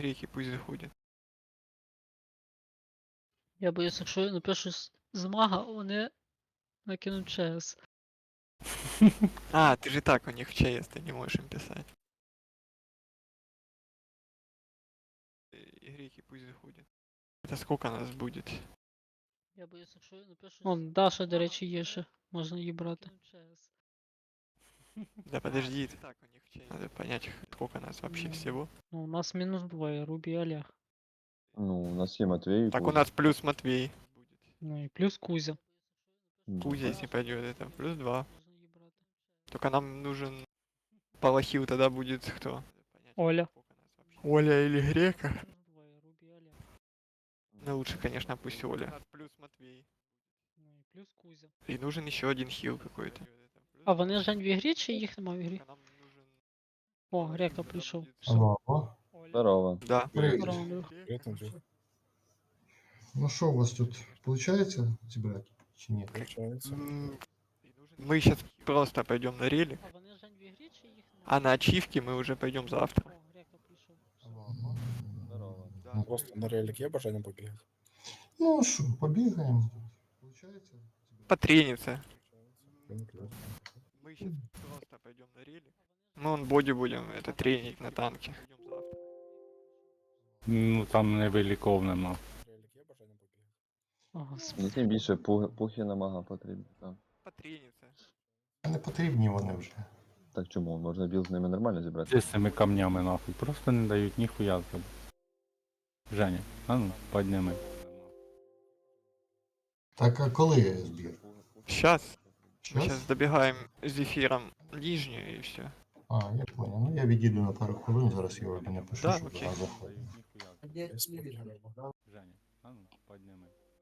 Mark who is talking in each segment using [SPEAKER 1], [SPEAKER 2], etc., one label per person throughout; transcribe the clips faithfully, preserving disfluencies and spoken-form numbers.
[SPEAKER 1] греки пусть заходят.
[SPEAKER 2] Я боюсь, якщо я напишу з, з мага, вони накинуть ЧС.
[SPEAKER 1] А, ты же так у них в ЧС, ты не можешь им писать. И греки пусть заходят. Это сколько нас будет?
[SPEAKER 2] Я боюсь, якщо я напишу. Вон, Даша, до речі, є ще. Можна її брати.
[SPEAKER 1] Да подожди, это так у них в ЧС. Надо понять, сколько нас вообще
[SPEAKER 2] Ну,
[SPEAKER 1] всего.
[SPEAKER 2] Ну, у нас мінус двоє, Рубі і Олег.
[SPEAKER 3] Ну, у нас є Матвей и
[SPEAKER 1] Так у
[SPEAKER 3] Кузя.
[SPEAKER 1] нас плюс Матвей.
[SPEAKER 2] Ну і плюс Кузя.
[SPEAKER 3] М.
[SPEAKER 1] Кузя, если пойдет, это плюс два.
[SPEAKER 2] Можна її брати.
[SPEAKER 1] Только нам нужен Палахил, тогда будет кто?
[SPEAKER 2] Оля.
[SPEAKER 1] Оля или Грека?
[SPEAKER 2] Мінус двоє, Рубі і Олег.
[SPEAKER 1] Ну лучше, конечно, пусть Оля. Плюс Матвей.
[SPEAKER 2] Ну і плюс Кузя.
[SPEAKER 1] И нужен еще один хил какой-то.
[SPEAKER 2] А вони Жень в ігрі чи їх нема в ігрі?
[SPEAKER 1] Только нам нужен
[SPEAKER 2] О,
[SPEAKER 1] Палахил,
[SPEAKER 2] Грека
[SPEAKER 1] тогда
[SPEAKER 2] прийшов.
[SPEAKER 1] будет-
[SPEAKER 2] Все.
[SPEAKER 4] Алло, алло.
[SPEAKER 2] Оля.
[SPEAKER 3] Здорово.
[SPEAKER 1] Да.
[SPEAKER 4] Привет.
[SPEAKER 2] Здорово, Андрюх.
[SPEAKER 5] Привет, Андрюх.
[SPEAKER 4] Ну что у вас тут получается собирать? Чи нет?
[SPEAKER 5] Получается.
[SPEAKER 1] М, Мы сейчас просто пойдем на рели,
[SPEAKER 2] А вони Жень в ігрі чи їх нема?
[SPEAKER 1] а на ачивки мы уже пойдем завтра.
[SPEAKER 2] О, Грека прийшов. Все.
[SPEAKER 4] Алло, алло.
[SPEAKER 3] Здорово.
[SPEAKER 1] Да.
[SPEAKER 5] Просто на релик є бажання побігати?
[SPEAKER 4] Ну что, побегаем. Получается?
[SPEAKER 1] Потрениться.
[SPEAKER 5] Конкретно.
[SPEAKER 1] Мы сейчас просто пойдем на рели. Мы он боди будем это тренить на танке.
[SPEAKER 6] Ну там невеликов нема.
[SPEAKER 5] Релик є бажання побігати?
[SPEAKER 2] О, господи.
[SPEAKER 3] Мені тим більше пух- пухи на мага потрібні. Так.
[SPEAKER 1] Потрениться.
[SPEAKER 4] Не потрібні вони вже.
[SPEAKER 3] Так чому? Можна біл з ними нормально зібрати?
[SPEAKER 6] Де з цими камнями нахуй? Просто не дають ніхуя зробити. Женя, а ну, підніми.
[SPEAKER 4] Так, а коли збір?
[SPEAKER 1] Сейчас. Мы
[SPEAKER 4] Час?
[SPEAKER 1] сейчас добегаем с эфиром нижнюю и все.
[SPEAKER 4] А, я понял. Ну я відійду на пару хвилин, зараз Юрі напишу,
[SPEAKER 1] Да,
[SPEAKER 4] що
[SPEAKER 1] окей.
[SPEAKER 4] пора
[SPEAKER 6] Дають
[SPEAKER 4] заходити.
[SPEAKER 6] ніхуя.
[SPEAKER 5] Без проблем.
[SPEAKER 6] Женя, а ну, підніми.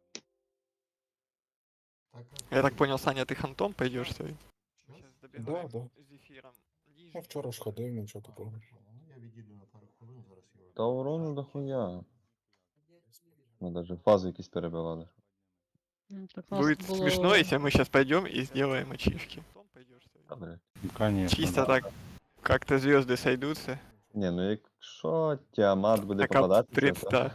[SPEAKER 4] Так, а
[SPEAKER 1] Я так
[SPEAKER 4] коли?
[SPEAKER 1] понял, Саня, ты хантом пойдешь своим?
[SPEAKER 4] Час?
[SPEAKER 1] Сейчас добегаем
[SPEAKER 5] да.
[SPEAKER 1] с эфиром
[SPEAKER 5] Ну,
[SPEAKER 1] нижнюю.
[SPEAKER 5] вчора ж ходив, нічого
[SPEAKER 4] А,
[SPEAKER 5] такого.
[SPEAKER 4] понял. Ну я відійду на пару хвилин, зараз Юрі.
[SPEAKER 3] Та урону дохуя.
[SPEAKER 5] Без проблем.
[SPEAKER 3] Ми навіть фази якісь перебивали.
[SPEAKER 2] Ну, так нас
[SPEAKER 1] Будет
[SPEAKER 2] було...
[SPEAKER 1] смешно, если мы сейчас пойдем и сделаем ачивки.
[SPEAKER 3] Добре.
[SPEAKER 6] Ну, конечно.
[SPEAKER 1] Чисто
[SPEAKER 6] да.
[SPEAKER 1] так, как-то звезды сойдутся.
[SPEAKER 3] Ні, ну якщо Тіамат буде
[SPEAKER 1] Так, а
[SPEAKER 3] попадатися, то...
[SPEAKER 1] представь.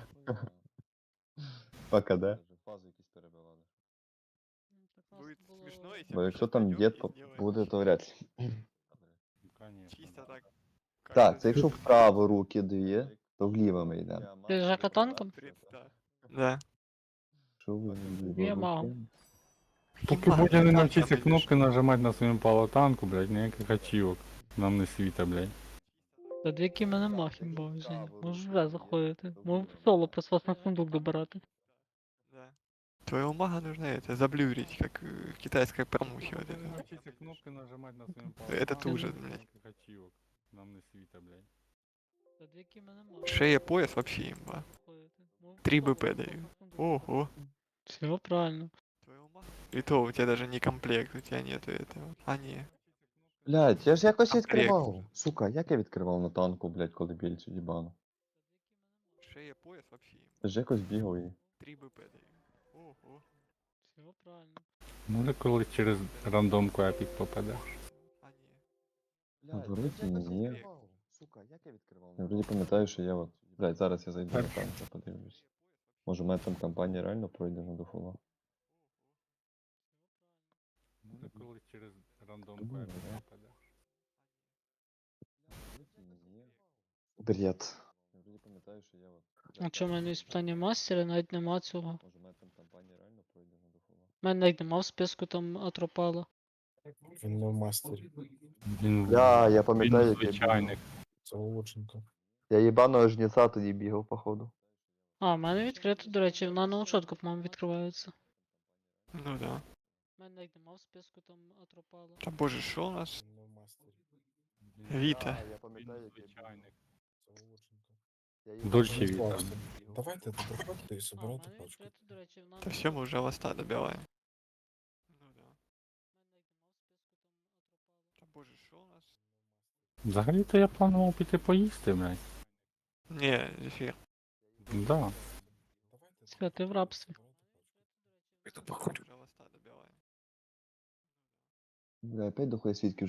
[SPEAKER 3] Пока, да? Фази якісь перебивали.
[SPEAKER 2] Ну, так нас
[SPEAKER 1] Будет
[SPEAKER 2] було...
[SPEAKER 1] смешно, если
[SPEAKER 3] Бо
[SPEAKER 1] мы
[SPEAKER 3] якщо
[SPEAKER 1] щас
[SPEAKER 3] там
[SPEAKER 1] пойдем
[SPEAKER 3] дід
[SPEAKER 1] и
[SPEAKER 3] поп-
[SPEAKER 1] сделаем
[SPEAKER 3] буде, то
[SPEAKER 1] ачивки.
[SPEAKER 3] вряд ли.
[SPEAKER 6] Ну, конечно,
[SPEAKER 1] Чисто
[SPEAKER 6] да.
[SPEAKER 1] так. как-то
[SPEAKER 3] Так, це якщо
[SPEAKER 1] звезды
[SPEAKER 3] вправо руки дві, то вліво ми йдемо.
[SPEAKER 2] Ти Жака танком?
[SPEAKER 1] Представь. Да.
[SPEAKER 3] Що ви
[SPEAKER 2] Я мав.
[SPEAKER 3] руки?
[SPEAKER 6] Поки
[SPEAKER 1] Мага,
[SPEAKER 6] Бодя не
[SPEAKER 1] танка
[SPEAKER 6] навчиться
[SPEAKER 1] пойдёшь.
[SPEAKER 6] кнопки нажимати на своєму палатанку, блядь, ніяких ачівок. Нам не світа, блядь.
[SPEAKER 2] Та дві мене махім бо Жень. Можеш вже заходити. Можу в соло просто вас на сундук добирати.
[SPEAKER 1] Да. Твоего мага нужно это заблюрить, как э, в китайской промухе вот
[SPEAKER 6] Поки не
[SPEAKER 1] это.
[SPEAKER 6] навчиться кнопки нажимати на своєму
[SPEAKER 1] Это
[SPEAKER 6] палатанку,
[SPEAKER 1] ужас, блядь.
[SPEAKER 6] ніяких ачівок. Нам не світа, блядь.
[SPEAKER 2] Та дві мене махім.
[SPEAKER 1] Шея, пояс вообще имба.
[SPEAKER 2] заходити. Можу в
[SPEAKER 1] Три
[SPEAKER 2] соло
[SPEAKER 1] БП
[SPEAKER 2] просто
[SPEAKER 1] даю.
[SPEAKER 2] на сундук
[SPEAKER 1] Ого.
[SPEAKER 2] Все правильно.
[SPEAKER 1] Твоего мага. И то у тебя даже не комплект, у тебя нету этого. А, не.
[SPEAKER 3] Блядь, я ж якось
[SPEAKER 1] Комплект.
[SPEAKER 3] відкривав. Сука, як я відкривав на танку, блядь, коли більцю їбану?
[SPEAKER 1] Шея, пояс вообще имба.
[SPEAKER 3] Я ж якось бігав і...
[SPEAKER 1] Три БП даю. Ого.
[SPEAKER 2] Все правильно.
[SPEAKER 6] Може коли через рандомку епік попаде.
[SPEAKER 1] А, не.
[SPEAKER 3] А вроді ні. Сука, як я відкривав? Я вроді пам'ятаю, що я от... Блядь, зараз я зайду на танк, я подивлюсь. Може, у мене там кампанія реально пройде на дофула.
[SPEAKER 6] Може коли через рандомку
[SPEAKER 3] Думаю,
[SPEAKER 6] епік
[SPEAKER 3] да.
[SPEAKER 6] попаде.
[SPEAKER 3] Бред. Я вроді пам'ятаю, що я от...
[SPEAKER 2] А чому в мене іспитання мастера, навіть нема цього.
[SPEAKER 3] Може, у мене там кампанія реально пройде на дофула.
[SPEAKER 2] У мене навіть нема в списку там Атропала.
[SPEAKER 5] Він не в мастері.
[SPEAKER 6] Він,
[SPEAKER 3] Я, я
[SPEAKER 6] він
[SPEAKER 3] пам'ятаю, як я
[SPEAKER 6] звичайник.
[SPEAKER 5] Це Лученко.
[SPEAKER 3] Я їбаного жнеця тоді бігав, походу.
[SPEAKER 2] А, в мене відкрито, до речі, на ноутшотку, по-моєму, відкриваються.
[SPEAKER 1] Ну да.
[SPEAKER 2] У мене навіть нема в списку там Атропала.
[SPEAKER 1] Да боже, что у нас?
[SPEAKER 5] Він не в мастері.
[SPEAKER 6] Він-
[SPEAKER 1] Вита.
[SPEAKER 3] Я
[SPEAKER 6] Він
[SPEAKER 3] пам'ятаю, як я
[SPEAKER 6] звичайник.
[SPEAKER 5] Це Лученко.
[SPEAKER 3] бігав.
[SPEAKER 6] Дольче
[SPEAKER 5] Він
[SPEAKER 6] Віта.
[SPEAKER 5] класний. Давайте тут приходьте і
[SPEAKER 2] А, в
[SPEAKER 5] собирайте
[SPEAKER 2] мене
[SPEAKER 5] пачку.
[SPEAKER 2] відкрито, до речі, на
[SPEAKER 1] Да все, мы уже ласта добиваем. Ну да. Да боже, что у нас?
[SPEAKER 6] Взагалі-то я планував піти поїсти, блядь.
[SPEAKER 1] Не, зефир.
[SPEAKER 6] Да.
[SPEAKER 5] Давайте тут
[SPEAKER 2] Святи в рабстві.
[SPEAKER 5] собирайте пачку.
[SPEAKER 1] Уже ласта добиваем.
[SPEAKER 3] Бля, опять дохуя свідків